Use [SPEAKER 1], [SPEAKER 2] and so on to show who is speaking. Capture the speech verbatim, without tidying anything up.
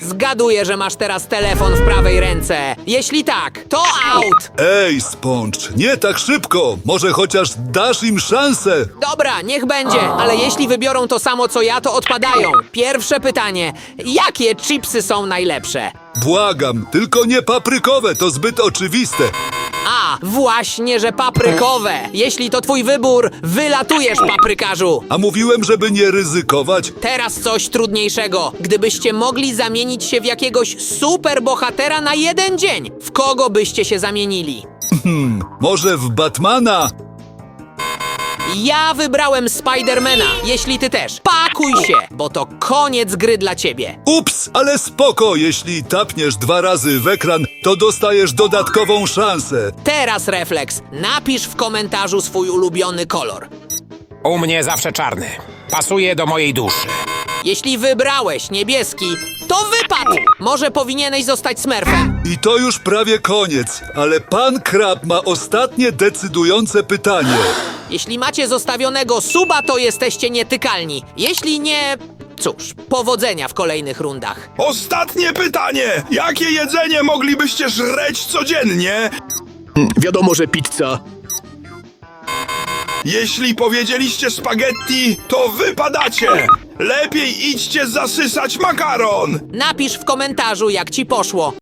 [SPEAKER 1] Zgaduję, że masz teraz telefon w prawej ręce. Jeśli tak, to out!
[SPEAKER 2] Ej, Sponge, nie tak szybko. Może chociaż dasz im szansę.
[SPEAKER 1] Dobra, niech będzie, ale jeśli wybiorą to samo co ja, to odpadają. Pierwsze pytanie. Jakie chipsy są najlepsze?
[SPEAKER 2] Błagam, tylko nie paprykowe, to zbyt oczywiste.
[SPEAKER 1] A, właśnie, że paprykowe. Jeśli to twój wybór, wylatujesz, paprykarzu.
[SPEAKER 2] A mówiłem, żeby nie ryzykować.
[SPEAKER 1] Teraz coś trudniejszego. Gdybyście mogli zamienić się w jakiegoś superbohatera na jeden dzień, w kogo byście się zamienili?
[SPEAKER 2] Może w Batmana?
[SPEAKER 1] Ja wybrałem Spidermana, jeśli ty też. Pakuj się, bo to koniec gry dla ciebie.
[SPEAKER 2] Ups, ale spoko, jeśli tapniesz dwa razy w ekran, to dostajesz dodatkową szansę.
[SPEAKER 1] Teraz refleks. Napisz w komentarzu swój ulubiony kolor.
[SPEAKER 3] U mnie zawsze czarny. Pasuje do mojej duszy.
[SPEAKER 1] Jeśli wybrałeś niebieski, to wypadł! Może powinieneś zostać smurfem.
[SPEAKER 2] I to już prawie koniec, ale pan Krab ma ostatnie decydujące pytanie.
[SPEAKER 1] Jeśli macie zostawionego suba, to jesteście nietykalni. Jeśli nie... Cóż, powodzenia w kolejnych rundach.
[SPEAKER 4] Ostatnie pytanie! Jakie jedzenie moglibyście żreć codziennie?
[SPEAKER 5] Wiadomo, że pizza.
[SPEAKER 4] Jeśli powiedzieliście spaghetti, to wypadacie! Lepiej idźcie zasysać makaron!
[SPEAKER 1] Napisz w komentarzu, jak ci poszło.